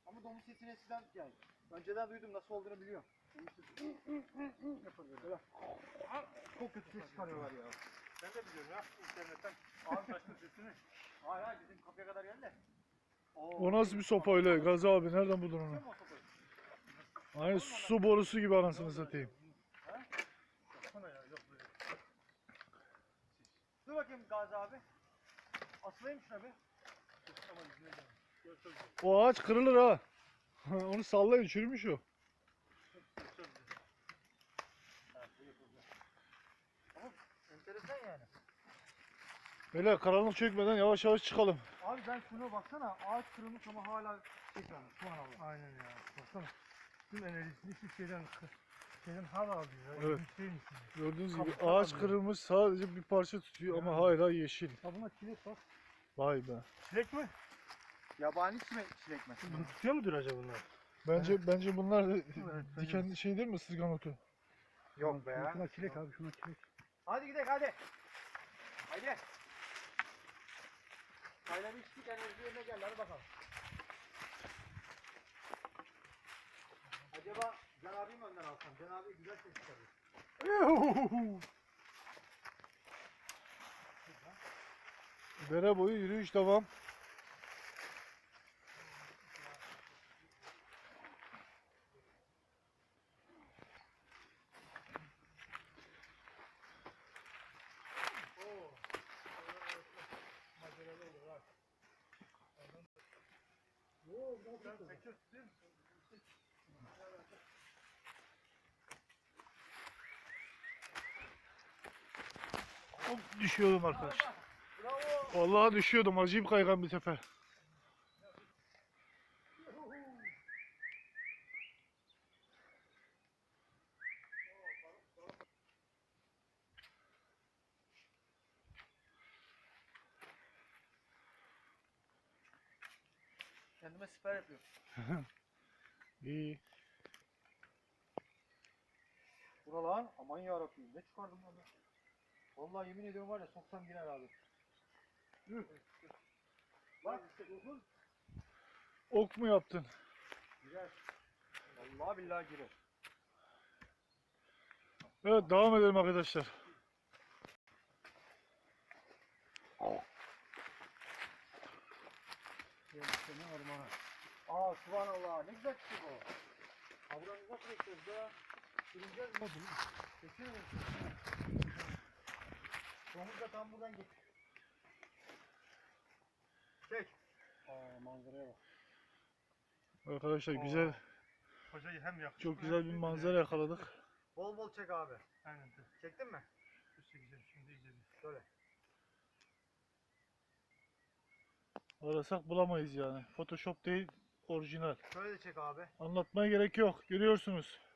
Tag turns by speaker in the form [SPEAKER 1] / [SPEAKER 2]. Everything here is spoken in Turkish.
[SPEAKER 1] Ama domuz sesini eskiden yani önceden duydum, nasıl olduğunu biliyorum. Yapıyor böyle. Çok kötü ses çıkarıyorlar ya.
[SPEAKER 2] Ben de biliyorum ya internetten. Ağır taşlı sesini.
[SPEAKER 1] Hayır hayır, bizim kapıya kadar geldi de.
[SPEAKER 3] O nasıl bir sopa öyle Gazi abi, nereden buldun onu?
[SPEAKER 1] Biliyor musun o sopayı?
[SPEAKER 3] Aynı su borusu gibi anasını satayım.
[SPEAKER 1] Ha?
[SPEAKER 2] Yapsana ya yok böyle.
[SPEAKER 1] Dur bakayım Gazi abi. Asılayım şuna bir.
[SPEAKER 2] Ama yüzüne gelmiş. Görsen güzel.
[SPEAKER 3] O ağaç kırılır ha. Onu sallayın, çürümüş o.
[SPEAKER 2] Çok güzel.
[SPEAKER 1] Ha, bu yapılacak. Ama enteresan yani.
[SPEAKER 3] Böyle karanlık çökmeden yavaş yavaş çıkalım.
[SPEAKER 1] Abi ben şuna baksana, ağaç kırılmış ama hala tekrar. Subhanallah.
[SPEAKER 2] Aynen ya. Baksana. Tüm enerjisini hiçbir şeyden hava alıyor. Ya.
[SPEAKER 3] Evet.
[SPEAKER 2] Bir şeyin içinde.
[SPEAKER 3] Gördüğünüz gibi
[SPEAKER 2] Kabuklar
[SPEAKER 3] ağaç
[SPEAKER 2] alıyor.
[SPEAKER 3] kırılmış, sadece bir parça tutuyor ama hala yeşil.
[SPEAKER 2] Ha buna çilek bak.
[SPEAKER 3] Vay be.
[SPEAKER 2] Çilek mi?
[SPEAKER 1] Yabani çilek mi?
[SPEAKER 2] Bunu tutuyor mudur acaba bunlar?
[SPEAKER 3] Bence bunlar da
[SPEAKER 2] Evet,
[SPEAKER 3] diken şey değil mi, ısırgan otu?
[SPEAKER 1] Yok be ya.
[SPEAKER 2] Şuna çilek abi, şuna çilek.
[SPEAKER 1] Hadi gidelim hadi. Haydi. Çayları içtik, enerji yerine geldi, hadi bakalım. Acaba Can abiyi mi önden alsam? Can abi güzel ses çıkarıyor.
[SPEAKER 3] Dere boyu yürüyüş devam. Hop, düşüyordum arkadaşlar. Vallahi düşüyordum, acayip kaygan bir tepe.
[SPEAKER 1] Kendime siper yapıyorum.
[SPEAKER 3] İyi.
[SPEAKER 1] Buralar aman yarabbim, ne çıkardım lan ben? Vallahi yemin ediyorum var ya, soksam girer abi. Bak işte dokun.
[SPEAKER 3] Ok mu yaptın?
[SPEAKER 1] Girer. Vallahi billahi girer.
[SPEAKER 3] Evet, devam edelim arkadaşlar.
[SPEAKER 1] Seni ormana. Aa subhanallah, ne güzel çıktı bu. Ha buradan nasıl bekliyoruz da? Sürüneceğiz mi? Çekiyor musun? Domuz da tam buradan git. Çek. Aa manzaraya bak.
[SPEAKER 3] Arkadaşlar güzel,
[SPEAKER 2] Hocayı hem yakışıklı.
[SPEAKER 3] çok güzel bir manzara yakaladık.
[SPEAKER 1] Bol bol çek abi.
[SPEAKER 2] Aynen.
[SPEAKER 1] Çektin mi?
[SPEAKER 2] Dur çekeceğim şimdi iyice bir.
[SPEAKER 1] Şöyle.
[SPEAKER 3] Arasak bulamayız yani. Photoshop değil, orijinal.
[SPEAKER 1] Şöyle de çek abi.
[SPEAKER 3] Anlatmaya gerek yok. Görüyorsunuz.